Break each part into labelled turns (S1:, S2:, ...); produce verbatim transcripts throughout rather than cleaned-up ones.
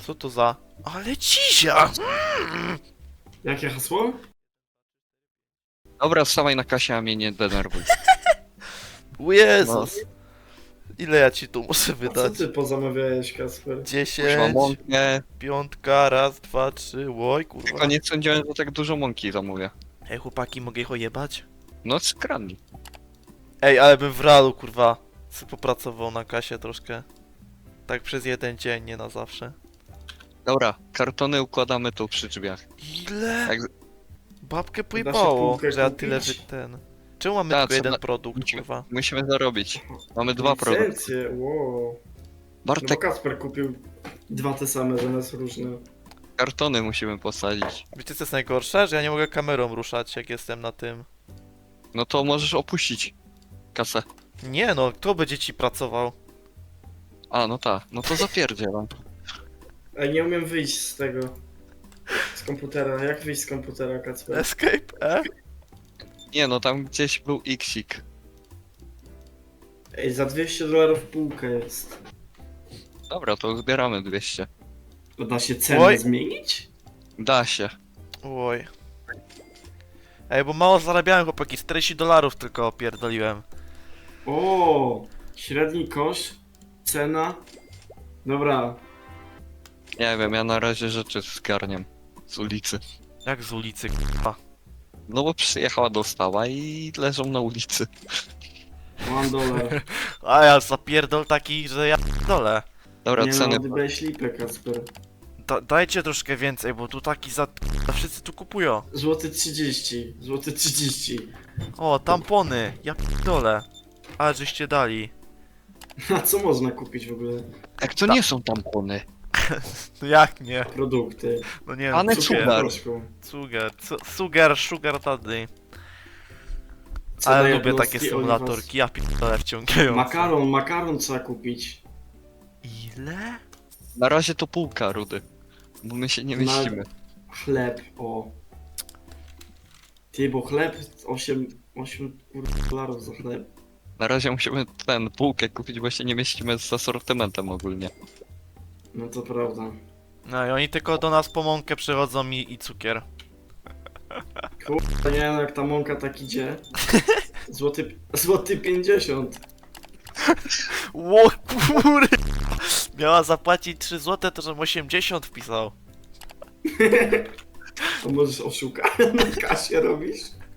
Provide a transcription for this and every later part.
S1: Co to za... Ale cizia!
S2: Jakie hasło?
S3: Dobra, wstawaj na kasie, a mnie nie denerwuj.
S1: O Jezus! Ile ja ci tu muszę
S2: A co
S1: wydać?
S2: ty pozamawiałeś, Kasper?
S3: Już mam
S1: dziesięć,
S3: mąkę,
S1: piątka, raz, dwa, trzy, łoj kurwa.
S3: tylko nie sądziłem, że tak dużo mąki zamówię.
S1: Ej chłopaki, mogę ich ojebać?
S3: No skradnij.
S1: Ej, ale bym w realu kurwa sobie popracował na kasie troszkę. Tak przez jeden dzień, nie na zawsze.
S3: Dobra, kartony układamy tu przy drzwiach.
S1: Ile?
S3: Jak...
S1: Babkę
S2: Da
S1: pojebało,
S2: się półkę
S1: że ja
S2: kupić?
S1: tyle wy ten... Czemu mamy
S3: Ta,
S1: tylko jeden
S3: trzeba-
S1: produkt,
S3: musimy-
S1: kurwa?
S3: Musimy zarobić. Mamy dwa produkty.
S2: Licencje, wow. No bo
S3: Bartek,
S2: Kasper kupił dwa te same zamiast różne.
S3: kartony musimy posadzić.
S1: Wiecie co jest najgorsze? Że ja nie mogę kamerą ruszać, jak jestem na tym.
S3: No to możesz opuścić kasę.
S1: Nie no, kto będzie ci pracował?
S3: A, no tak. No to zapierdzielam.
S2: Ej, nie umiem wyjść z tego. Z komputera. Jak wyjść z komputera, Kasper?
S1: Escape, e?
S3: Nie no, tam gdzieś był Xik.
S2: Ej, za dwieście dolarów półka jest.
S3: Dobra, to zbieramy dwieście.
S2: To da się cenę
S1: Oj.
S2: zmienić?
S3: Da się.
S1: Oj. Ej, bo mało zarabiałem chłopaki, czterdzieści dolarów tylko opierdoliłem.
S2: O, średni koszt, cena. Dobra,
S3: Nie wiem, ja na razie rzeczy zgarniam z ulicy.
S1: Jak z ulicy, kurwa.
S3: No bo przyjechała dostawa i leżą na ulicy.
S2: one dolar.
S1: A ja zapierdol taki, że ja dole.
S3: Dobra,
S2: Nie
S3: ceny.
S2: no, oddałeś lipę, Kasper.
S1: Da dajcie troszkę więcej, bo tu taki za... za wszyscy tu kupują.
S2: Złoty trzydzieści, złoty trzydzieści.
S1: O, tampony, ja dole. Ale żeście dali.
S2: A co można kupić w ogóle?
S3: Jak to nie są tampony?
S1: No jak nie?
S2: Produkty.
S1: No nie
S3: Pane
S1: wiem,
S3: cukier.
S1: cukier,
S2: Proszką.
S1: cukier, cu- sugar, sugar daddy.
S2: Cena
S1: Ale lubię
S2: jednostki
S1: takie
S2: oliwa.
S1: symulatorki, ja pierdolę wciągające.
S2: Makaron, makaron trzeba kupić.
S1: Ile?
S3: Na razie to półka, Rudy. Bo my się nie
S2: Na-
S3: mieścimy.
S2: Chleb, o. Ty, bo chleb osiem, osiem kurwa dolarów za chleb.
S3: Na razie musimy ten półkę kupić, bo się nie mieścimy z asortymentem ogólnie.
S2: No to prawda.
S1: No i oni tylko do nas po mąkę przychodzą i, i cukier.
S2: Kurwa, nie no, jak ta mąka tak idzie. Złoty, złoty pięćdziesiąt.
S1: Ło kur... Miała zapłacić trzy złote, to żebym osiemdziesiąt wpisał.
S2: To możesz oszukać na kasie robisz?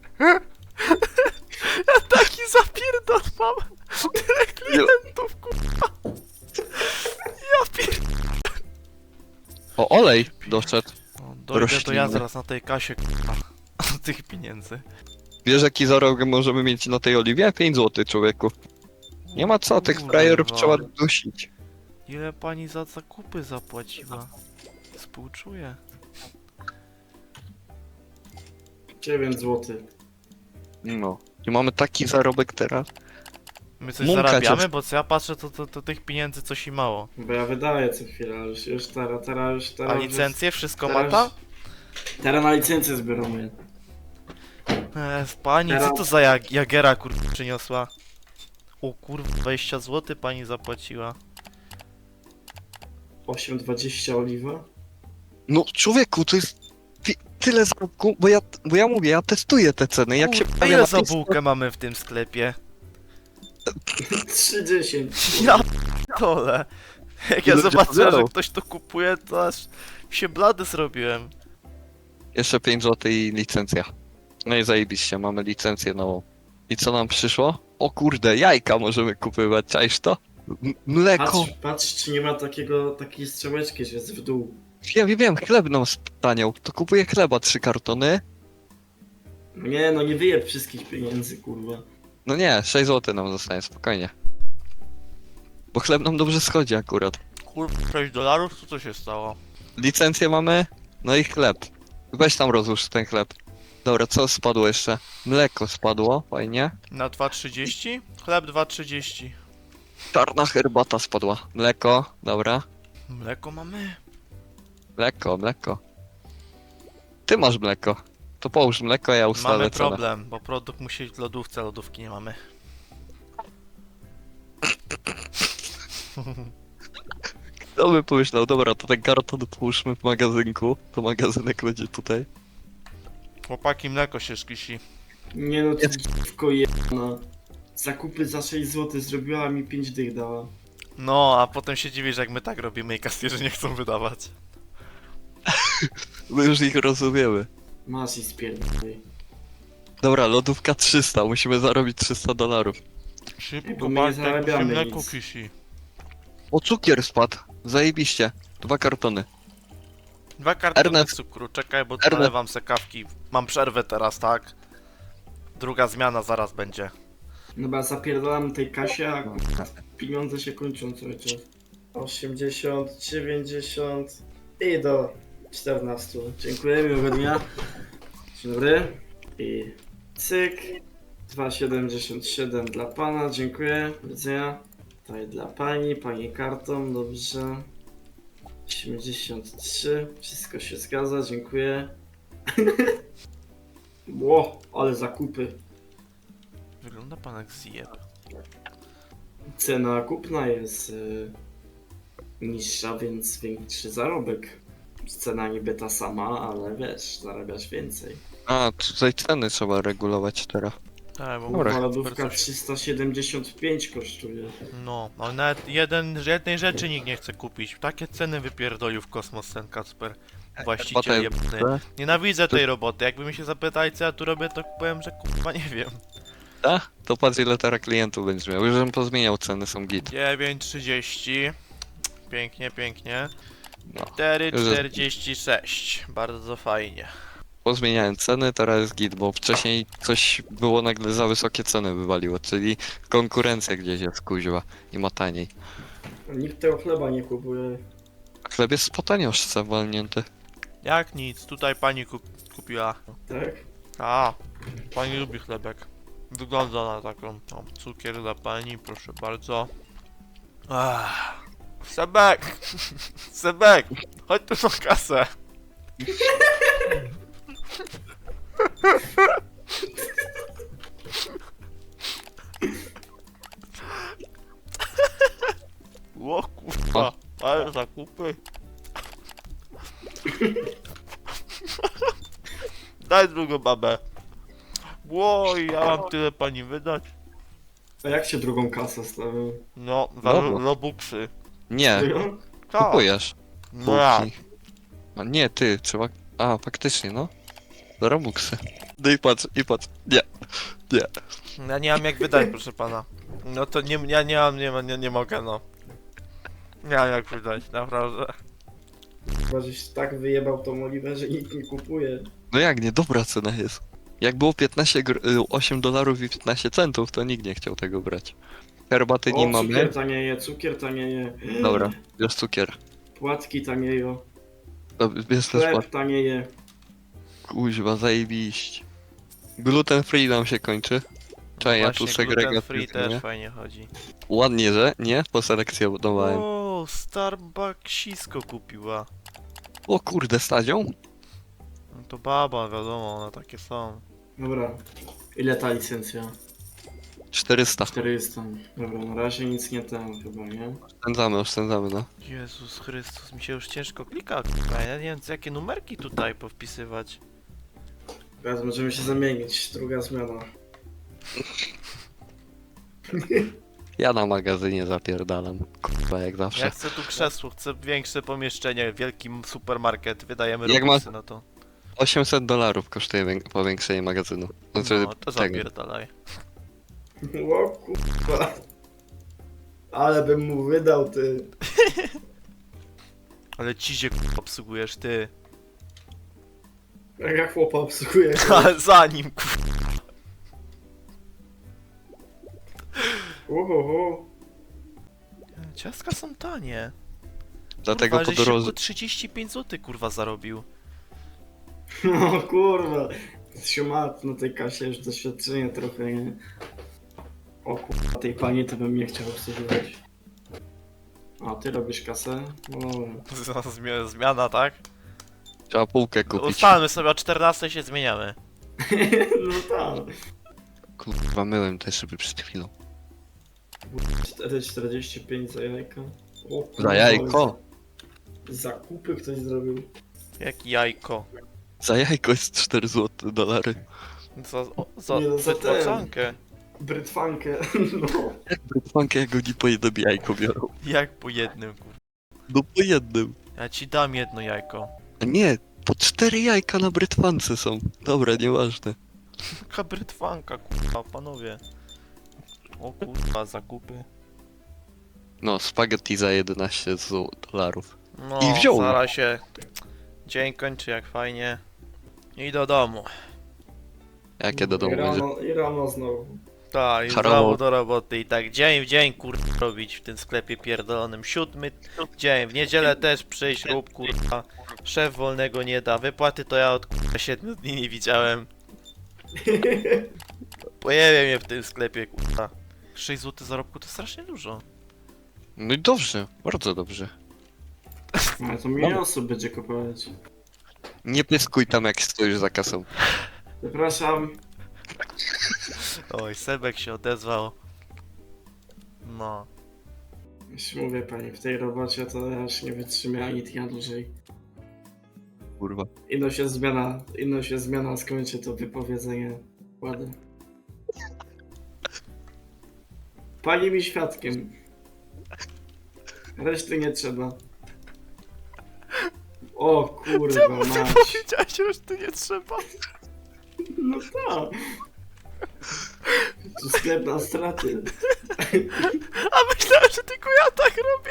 S1: Ja taki zapierdol mam. Tyle klientów, kurwa. Ja pier...
S3: O, olej doszedł.
S1: No, dojdę to
S3: Rośliny.
S1: ja zaraz na tej kasie, kurwa. Tych pieniędzy.
S3: Wiesz jaki zarobek możemy mieć na tej oliwie? pięć złotych, człowieku. Nie ma co, tych frajerów
S1: Kurwa.
S3: trzeba dusić.
S1: Ile pani za zakupy zapłaciła? Współczuję.
S2: dziewięć złotych.
S3: No. I mamy taki zarobek teraz.
S1: My coś
S3: Mąka
S1: zarabiamy,
S3: cię-
S1: bo co ja patrzę, to, to, to tych pieniędzy coś i mało.
S2: Bo ja wydaję co chwilę, ale już, już teraz, teraz już teraz.
S1: A
S2: już-
S1: licencje? Wszystko
S2: teraz-
S1: mata?
S2: Teraz na licencję zbieramy.
S1: Eee, pani, co to za jag Jagera kurwa przyniosła? O kurwa, dwadzieścia złotych pani zapłaciła.
S2: osiem dwadzieścia oliwa.
S3: No człowieku, to jest ty, tyle zarobku, bo ja, bo ja mówię, ja testuję te ceny. Jak się
S1: Kurwa,
S3: pojawia
S1: ile
S3: na
S1: za
S3: tej
S1: bułkę mamy w tym sklepie?
S2: trzydzieści.
S1: Ja dole. Jak ja
S3: Ludzie
S1: zobaczyłem, że
S3: pobiorą.
S1: ktoś to kupuje, to aż się blady zrobiłem.
S3: Jeszcze pięć złotych i licencja. No i zajebiście, mamy licencję nową. I co nam przyszło? O kurde, jajka możemy kupywać, czaisz to? M mleko.
S2: Patrz, patrz, czy nie ma takiego, takiej strzałeczki, że jest w dół.
S3: Ja wiem, wiem, chleb nam staniał. To kupuję chleba, trzy kartony.
S2: Nie no, nie wyjeb wszystkich pieniędzy, kurwa.
S3: No nie, sześć złotych nam zostanie, spokojnie. Bo chleb nam dobrze schodzi akurat.
S1: Kurwa, sześć dolarów? Co to się stało?
S3: Licencję mamy, no i chleb. Weź tam rozłóż ten chleb. Dobra, co spadło jeszcze? Mleko spadło, fajnie.
S1: Na dwa trzydzieści? Chleb dwa trzydzieści.
S3: Czarna herbata spadła. Mleko, dobra.
S1: Mleko mamy?
S3: Mleko, mleko. Ty masz mleko. To połóż mleko, ja ustalę
S1: Mamy
S3: cenę.
S1: problem, bo produkt musi być w lodówce, lodówki nie mamy.
S3: To by pomyślał, dobra, to ten karton połóżmy w magazynku, to magazynek będzie tutaj.
S1: Chłopaki, mleko się szkisi.
S2: Nie no, to dziwko jedna. Zakupy za sześć złotych zrobiła, mi pięć dych dała.
S1: No, a potem się dziwisz, jak my tak robimy i kasjerzy nie chcą wydawać.
S3: My już ich rozumiemy.
S2: Masz i spierdolaj.
S3: Dobra, lodówka trzysta, musimy zarobić trzysta dolarów.
S1: Szybko,
S2: Bo my nie
S1: Bartek, bo się
S2: zarabiamy
S1: mleko
S2: nic.
S1: kisi.
S3: O, cukier spadł, zajebiście. Dwa kartony.
S1: Dwa kartony
S3: Ernest.
S1: cukru, czekaj, bo
S3: Ernest.
S1: nalewam se kawki. Mam przerwę teraz, tak? Druga zmiana zaraz będzie.
S2: Dobra, zapierdalam tej kasie, a kurwa, pieniądze się kończą cały czas. osiemdziesiąt, dziewięćdziesiąt i do czternastu. Dziękuję, miłego dnia. Dzień dobry. I cyk. dwa siedemdziesiąt siedem dla pana, dziękuję. Do widzenia. Tutaj dla pani, pani kartą, dobrze. osiemdziesiąt trzy, wszystko się zgadza, dziękuję. Ło, ale zakupy.
S1: Wygląda pan jak zjeb.
S2: Cena kupna jest y, niższa, więc większy zarobek. Cena niby ta sama, ale wiesz, zarabiasz więcej.
S3: A, tutaj ceny trzeba regulować teraz.
S1: Tak, bo
S3: Dobra.
S2: Moja
S1: super
S2: lodówka
S1: coś-
S2: trzysta siedemdziesiąt pięć kosztuje.
S1: No, ale nawet jeden, jednej rzeczy nikt nie chce kupić. Takie ceny wypierdolił w kosmos ten Kacper. Właściciel
S3: Potem-
S1: jebny. Nienawidzę tej roboty. Jakby mi się zapytali, co ja tu robię, to powiem, że kurwa nie wiem.
S3: A? To patrz ile teraz klientów będziesz miał. Już bym pozmieniał ceny, są git.
S1: dziewięć trzydzieści. Pięknie, pięknie.
S3: No.
S1: cztery
S3: Już jest-
S1: czterdzieści sześć. Bardzo fajnie.
S3: Pozmieniałem ceny, teraz jest git, bo wcześniej coś było nagle za wysokie ceny wywaliło, czyli konkurencja gdzieś jest kuźwa i ma taniej.
S2: Nikt tego chleba nie kupuje.
S3: Chleb jest po tanioszce walnięty.
S1: Jak nic, tutaj pani kup kupiła.
S2: Tak?
S1: A, pani lubi chlebek. Wygląda na taką. O, cukier dla pani, proszę bardzo. Ach. Sebek! Sebek! Chodź tu na kasę! Ło kurwa, ale zakupy. Daj drugą babę. Ło, ja mam tyle pani wydać.
S2: A jak się drugą kasę stawią?
S1: No, za
S3: Dobra.
S1: ro- robuxy.
S3: Nie,
S2: Serio?
S1: Tak.
S3: kupujesz.
S1: No ja.
S3: Półki. A nie, ty, trzeba... A, faktycznie, no. Do Robuxy. No i patrz, i patrz. Nie, nie.
S1: Ja nie mam jak wydać, proszę pana. No to nie, ja nie mam, nie, ma- nie, nie mogę, no. Nie mam jak wydać, naprawdę.
S2: Chyba, żeś tak wyjebał tą oliwę, że nikt nie kupuje.
S3: No jak nie, dobra cena jest. Jak było piętnaście, gr- y, osiem dolarów i piętnaście centów, to nikt nie chciał tego brać. Herbaty nie
S2: O,
S3: mamy.
S2: cukier tanieje, cukier tanieje.
S3: Dobra, bierz cukier.
S2: Płatki tanieją.
S3: Dobra, bierz też
S2: Chleb
S3: płat.
S2: tanieje.
S3: Kuźwa, zajebiście. Gluten free nam się kończy. Czekaj, ja tu
S1: Właśnie, gluten
S3: segregację
S1: free
S3: zmienię.
S1: też fajnie chodzi.
S3: Ładnie, że? Nie? Poselekcjonowałem.
S1: O, Starbucksisko kupiła.
S3: O kurde, stadzią?
S1: No to baba, wiadomo, one takie są.
S2: Dobra. Ile ta licencja?
S3: czterysta.
S2: czterysta. Dobra, na razie nic nie tam chyba, nie?
S3: Oszczędzamy, oszczędzamy, no.
S1: Jezus Chrystus, mi się już ciężko klika, kurwa, ja nie wiem, co- jakie numerki tutaj powpisywać.
S2: Teraz możemy się zamienić. Druga zmiana.
S3: Ja na magazynie zapierdalam. Kurwa, jak zawsze.
S1: Ja chcę tu krzesło, chcę większe pomieszczenie, wielki supermarket, wydajemy
S3: Jak
S1: robuxy na to.
S3: osiemset dolarów kosztuje wię- powiększenie magazynu. Znaczy,
S1: No, to
S3: tego.
S1: zapierdalaj.
S2: O kurwa. Ale bym mu wydał, ty.
S1: Ale cizie kurwa obsługujesz ty.
S2: Jak ja chłopa obsługuję.
S1: Ale za nim kurwa.
S2: Ohoho.
S1: Ciastka są tanie.
S3: Dlatego
S1: kurwa,
S3: po
S1: żeś
S3: drodze...
S1: szybko trzydzieści pięć złotych kurwa zarobił.
S2: No kurwa. Siumat na tej kasie już doświadczenie trochę, nie? O kurwa, tej pani to bym nie chciał obsługiwać. A, ty robisz kasę? No dobra.
S1: Zmi- Zmiana, tak?
S3: Trzeba półkę kupić.
S1: Ustalmy sobie o czternastej się zmieniamy.
S2: No tak.
S3: Kurwa, myłem te szyby przed chwilą.
S2: cztery czterdzieści pięć za jajka. O, kurwa,
S3: Za jajko?
S2: Zakupy ktoś zrobił.
S1: Jak jajko.
S3: Za jajko jest cztery złote dolary.
S1: Za, o, za
S2: Nie no, za ten.
S1: wytłaczankę.
S2: Brytwankę, no.
S3: Brytwankę jak oni po jednym jajko biorą.
S1: Jak po jednym, kur...
S3: No po jednym.
S1: Ja ci dam jedno jajko.
S3: A nie, po cztery jajka na brytwance są. Dobra, nieważne.
S1: Jaka brytwanka, kurwa, panowie. O kurwa, zakupy.
S3: No, spaghetti za jedenaście zł dolarów.
S1: No,
S3: I wziął.
S1: zaraz się dzień kończy jak fajnie. I do domu.
S3: Jakie do domu
S2: I
S3: będzie?
S2: rano, I rano znowu.
S1: Tak, i
S3: Harowo.
S1: znowu do roboty i tak dzień w dzień kurwa robić w tym sklepie pierdolonym. Siódmy dzień, w niedzielę też przyjść rób kurwa. Szef wolnego nie da, wypłaty to ja od kurwa siedmiu dni nie widziałem. Pojawia mnie w tym sklepie kurwa. sześć złotych zarobku to strasznie dużo.
S3: No i dobrze, bardzo dobrze.
S2: Ale to mniej osób będzie kupować.
S3: Nie pyskuj tam jak stoisz za kasą.
S2: Zapraszam.
S1: Oj, Sebek się odezwał. No.
S2: Już mówię pani, w tej robocie to ja już nie wytrzymię ani dnia dłużej.
S3: Kurwa.
S2: Ino się zmiana, ino się zmiana skończy to wypowiedzenie. Ładnie. Pani mi świadkiem. Reszty nie trzeba. O kurwa mać.
S1: Powiedziałeś, że już tu nie trzeba.
S2: No tak. Tu sklep na straty.
S1: A myślałem, że tylko ja tak robię.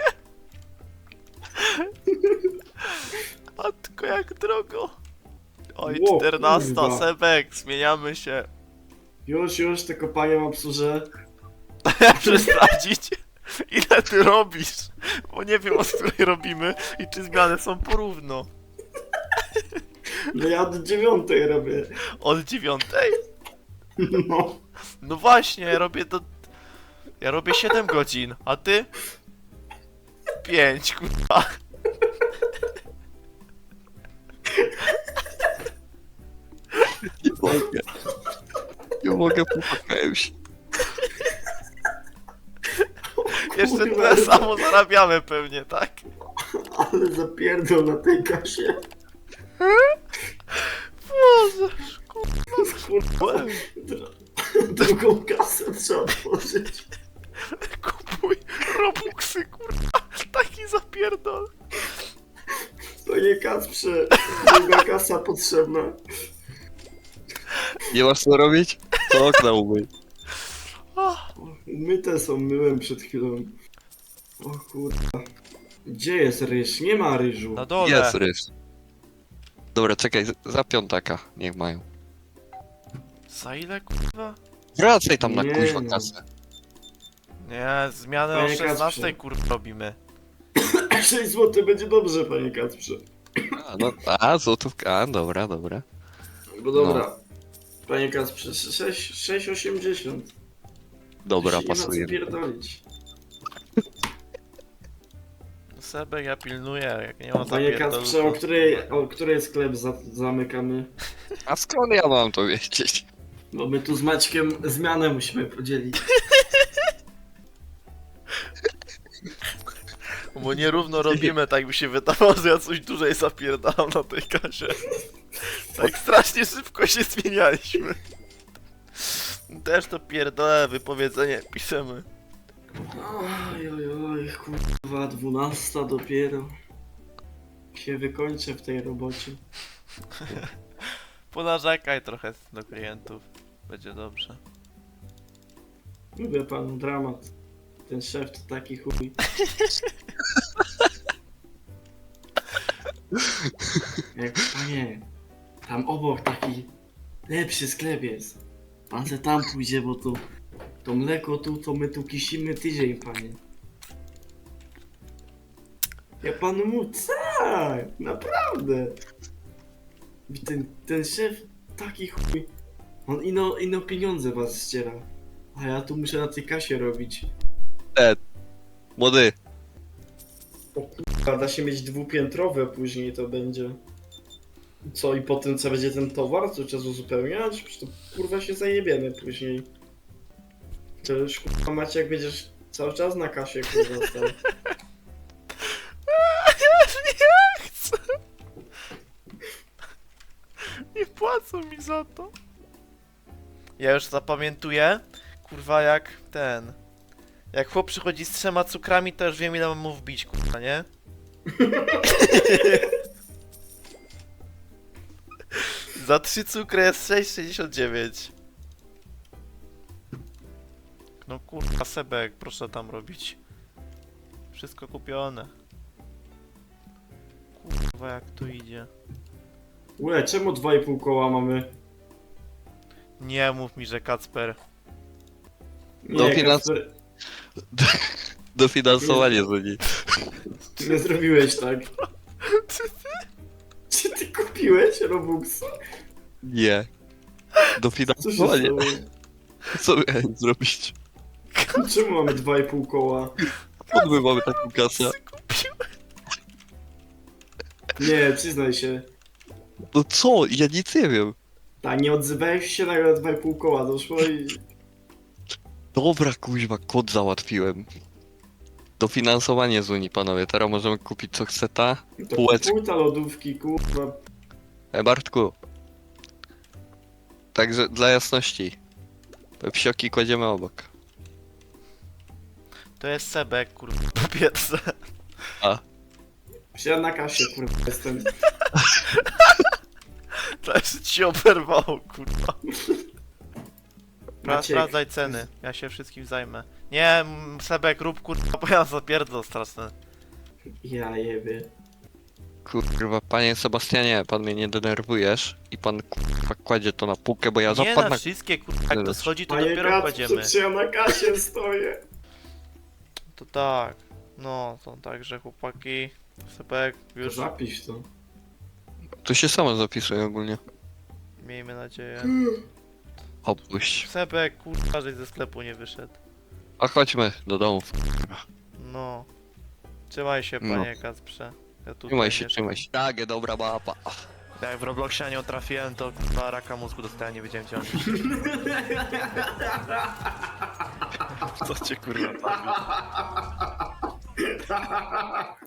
S1: Matko, jak drogo. Oj,
S2: Ło,
S1: czternasta,
S2: kurwa.
S1: Sebek, zmieniamy się.
S2: Już, już, tylko panią obsłużę.
S1: Muszę sprawdzić, ile ty robisz. Bo nie wiem, od której robimy i czy zmiany są porówno.
S2: No ja od dziewiątej robię.
S1: Od dziewiątej?
S2: No.
S1: No właśnie, ja robię do... Ja robię siedem godzin, a ty? pięć, kurwa.
S3: Nie mogę. Nie mogę, popłakałem się.
S1: Jeszcze
S2: Kurwa,
S1: tyle samo zarabiamy pewnie, tak?
S2: Ale zapierdol na tej kasie.
S1: Boże,
S2: Kurwa. Dru- Drugą kasę trzeba otworzyć.
S1: kupuj robuxy, kurwa. Taki zapierdol.
S2: Panie Kacprze, druga kasa potrzebna.
S3: Nie masz co robić? To okna umyj.
S2: Myte są, myłem przed chwilą. O kurwa. Gdzie jest ryż? Nie ma ryżu.
S1: Na dole.
S3: Jest ryż. Dobra, czekaj, z- za piątaka niech mają.
S1: Za ile, kurwa?
S3: Wracaj tam na
S2: Nie
S3: kuźwa
S2: no.
S3: kasę.
S1: Nie, zmianę o
S2: Panie
S1: szesnastej,
S2: Kacprze.
S1: kurwa, robimy.
S2: sześć złotych będzie dobrze, panie Kacprze.
S3: A, no, a złotówka, a dobra, dobra.
S2: Bo dobra. Panie Kacprze, sześć osiemdziesiąt.
S3: Dobra,
S2: Nie ma co
S3: pasuje.
S2: pierdolić.
S1: Sebek, ja pilnuję, jak nie ma
S2: Panie
S1: zapierdolu,
S2: Kacprze, o
S1: to-
S2: której, o której sklep za, zamykamy?
S3: A skąd ja mam to wiedzieć?
S2: Bo my tu z Maćkiem zmianę musimy podzielić.
S1: Bo nierówno robimy, tak by się wydawało, że ja coś dłużej zapierdalam na tej kasie. Tak strasznie szybko się zmienialiśmy. Też to pierdolę, wypowiedzenie piszemy.
S2: Oj, oj, oj, kurwa, dwunasta dopiero. Się wykończę w tej robocie.
S1: Ponarzekaj trochę do klientów. Będzie dobrze.
S2: Mówię panu, dramat. Ten szef to taki chuj. Jak, panie, tam obok taki lepszy sklep jest. Pan se tam pójdzie, bo tu to mleko tu, to my tu kisimy tydzień, panie. Ja panu mówię, tak, naprawdę. I ten, ten szef taki chuj. On ino, ino pieniądze was ściera. A ja tu muszę na tej kasie robić.
S3: Młody,
S2: O kurwa, da się mieć dwupiętrowe później to będzie. Co i po tym co będzie ten towar, co trzeba uzupełniać? Przecież to kurwa się zajebiemy później. To już kurwa Maciek będziesz cały czas na kasie kurwa stał.
S1: płacą mi za to. Ja już zapamiętuję, kurwa, jak ten... Jak chłop przychodzi z trzema cukrami, to już wiem, ile mam mu wbić, kurwa, nie? Za trzy cukry jest sześć sześćdziesiąt dziewięć. No kurwa, Sebek, proszę tam robić. Wszystko kupione. Kurwa, jak tu idzie.
S2: Ule, czemu dwa i pół koła mamy?
S1: Nie mów mi, że Kacper.
S2: Nie,
S3: No, finans-
S2: Kacper,
S3: Dofinansowanie z nich.
S2: ty nie zrobiłeś tak. Czy ty kupiłeś Robuxa?
S3: Nie.
S2: Co się
S3: Dofinansowanie.
S2: stało?
S3: Co miałem zrobić?
S2: Czemu mamy dwa i pół koła?
S3: Skąd my mamy taką kasę?
S2: Nie, przyznaj się.
S3: No co? Ja nic nie wiem.
S2: Tak, nie odzywałeś się, nagle dwa i pół koła doszło i...
S3: Dobra, kuźwa, kod załatwiłem. Dofinansowanie z Unii, panowie. Teraz możemy kupić co chce ta.
S2: To
S3: Półeczka.
S2: półta lodówki, kurwa.
S3: E, Bartku. Także dla jasności. Pepsioki kładziemy obok.
S1: To jest Sebek, kurwa, po pierwsze.
S2: Ja na kasie, kurwa, jestem.
S1: To jeszcze ci oberwało, kurwa. Spra-
S2: Maciek.
S1: Sprawdzaj ceny, ja się wszystkim zajmę. Nie, m, Sebek, rób kurwa, bo ja zapierdol straszne.
S2: Ja jebie.
S3: Kurwa, panie Sebastianie, pan mnie nie denerwujesz i pan kurwa kładzie to na półkę, bo ja
S1: Nie
S3: zapadnę.
S1: na wszystkie, kurwa, jak to schodzi, to
S2: Panie
S1: dopiero
S2: Kat,
S1: kładziemy.
S2: przecież ja na kasie stoję.
S1: To tak. No, to także chłopaki. Sebek,
S2: Już
S1: już
S2: zapisz to.
S3: To się samo zapisuje ogólnie.
S1: miejmy nadzieję.
S3: Opuść.
S1: Sebek, kurwa, żeś ze sklepu nie wyszedł.
S3: A chodźmy do domów.
S1: No. Trzymaj się,
S3: No.
S1: panie Kacprze. Ja tutaj
S3: Trzymaj się,
S1: mieszkam.
S3: trzymaj się. Tak, dobra mapa.
S1: Jak w Robloxie na nią trafiłem, to kurwa raka mózgu dostałem, nie wiedziałem gdzie on jest. Co cię kurwa